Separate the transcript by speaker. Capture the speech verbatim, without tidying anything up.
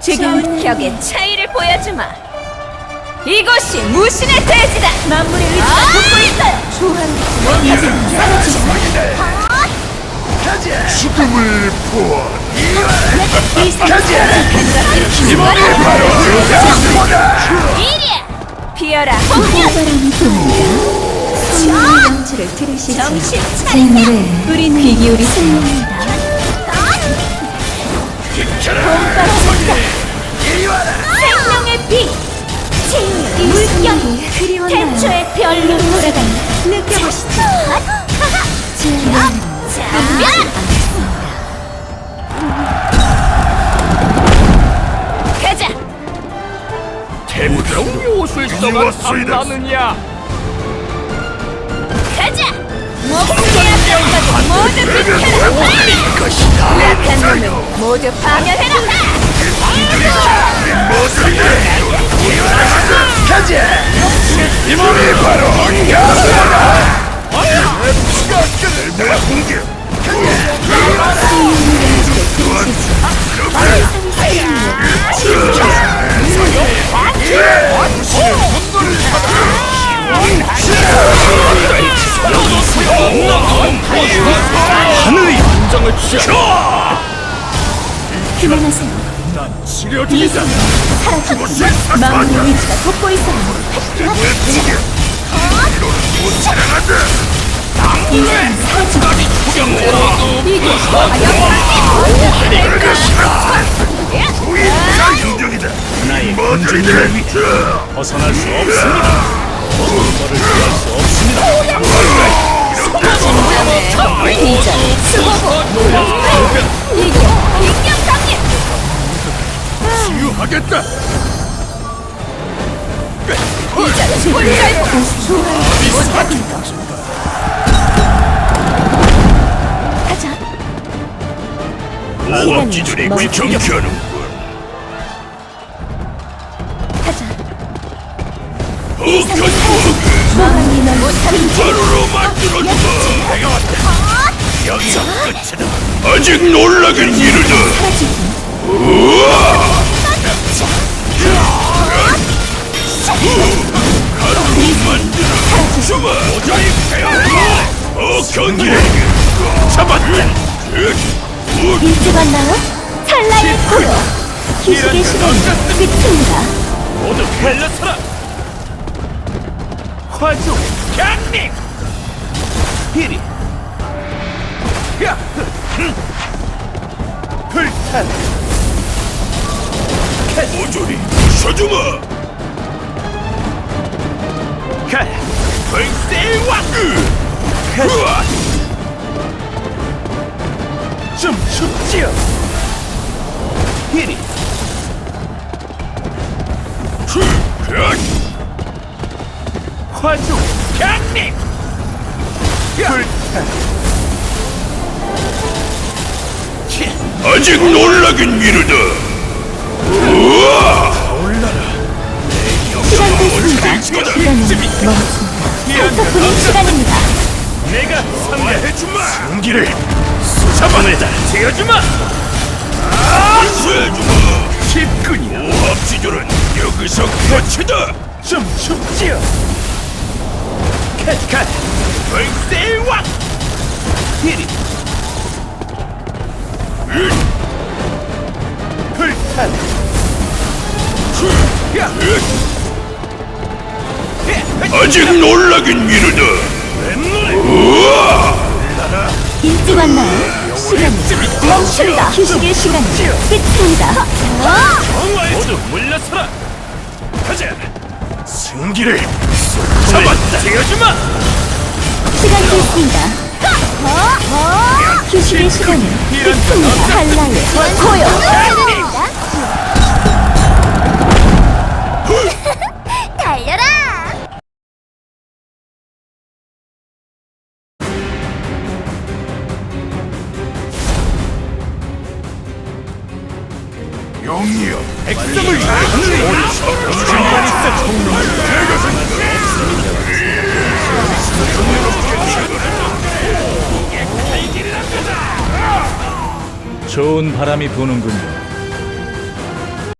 Speaker 1: 지금 격의 차이를 보여주마. 이곳이 무신의 대지다. 만물의 의지가 돋고 있어요. 조화롭지 이제 사라지자.
Speaker 2: 죽음을 보아.
Speaker 1: 이 세상을
Speaker 2: 이번에 바로 죽자보다.
Speaker 1: 이리야. 피어라. 폭력.
Speaker 3: 바람이 붑니다. 성령의 명주를 들으시지.
Speaker 1: 정신
Speaker 3: 제
Speaker 1: 차리자.
Speaker 3: 노래에 우리는 귀 기울이세요.
Speaker 1: 생명의 빛. 제 물결이
Speaker 3: 그리웠나요?
Speaker 1: 태초의 별로
Speaker 3: 돌아가며
Speaker 1: 느껴보시죠.
Speaker 3: 제 노래는
Speaker 1: 자, 가자.
Speaker 2: 태무정 옷을 써가 탐나느냐?
Speaker 1: 가자. 목숨의 앞까지 모두 비켜라.
Speaker 2: 것이다.
Speaker 1: 약한 놈을 모두 파멸해라.
Speaker 2: 가자. 이번에 바로 가자. 내가 공격. 하늘의 인정을 주셔.
Speaker 3: 그만하세요.
Speaker 2: 난 치료 중이다.
Speaker 3: 사라지고 마음의 의지가 돋고 있어요.
Speaker 2: 왜 공격? 못 살아간다.
Speaker 3: 이제는 사라지고
Speaker 2: 내 것이다. 우리가 인정이다. 나의 먼저이들
Speaker 4: 벗어날 수 없습니다. 너를 피할 수 없습니다.
Speaker 1: 이전 수고고 이겨 인격상님.
Speaker 2: 치유하겠다.
Speaker 1: 이전 불살고
Speaker 3: 가자.
Speaker 2: 오합지졸이 귀청케하는군.
Speaker 3: 가자.
Speaker 2: 어견부하게
Speaker 3: 마음이 널 못하는
Speaker 2: 바로로 만들어주마. 내가 왔다. 여기서 끝이다. 아직 놀라긴 이르다.
Speaker 3: 사라지고
Speaker 2: 우와! 가루로 만들어 주마. 모자이 태양과 어 경기를 잡았다.
Speaker 3: 일찍 왔나요? 찰나의 코로 휴식의 시간이 끝입니다.
Speaker 4: 모두 갈라서라. 화조
Speaker 2: 강림.
Speaker 4: 이리. 야. 불탄.
Speaker 2: 모조리 부셔주마.
Speaker 4: 가.
Speaker 2: 벌새왕. 우와!
Speaker 4: 좀 춥지요. 이리. 화조
Speaker 2: 강림.
Speaker 4: 불탄.
Speaker 2: 아직 놀라긴 이르다. 우와!
Speaker 3: 시간 됐습니다. 시간은 멈춘다. 살펴보는 시간입니다.
Speaker 4: 내가 상대
Speaker 2: 해주마. 승기를 잡아내다.
Speaker 4: 되어주마.
Speaker 2: 해주마.
Speaker 4: 기끈이야.
Speaker 2: 오합지졸은 여기서 끝이다.
Speaker 4: 좀 춥지요. 캣캣.
Speaker 2: 벌새왕.
Speaker 4: 이리. 불탄. 야.
Speaker 2: 아직 놀라긴 이르다. 우와!
Speaker 3: 일찍 왔나요? 시간이 멈춘다. 휴식의 시간이 끝입니다.
Speaker 4: 모두 물러서라.
Speaker 2: 가자. 승기를 잡았다.
Speaker 4: 되어주마.
Speaker 3: 시간 됐습니다. 휴식의 시간이 끝입니다. 한라의 고요.
Speaker 1: 달려라.
Speaker 2: 영이여.
Speaker 4: 백성을 하늘에 중간이 있어 총룡. 좋은 바람이 부는군요.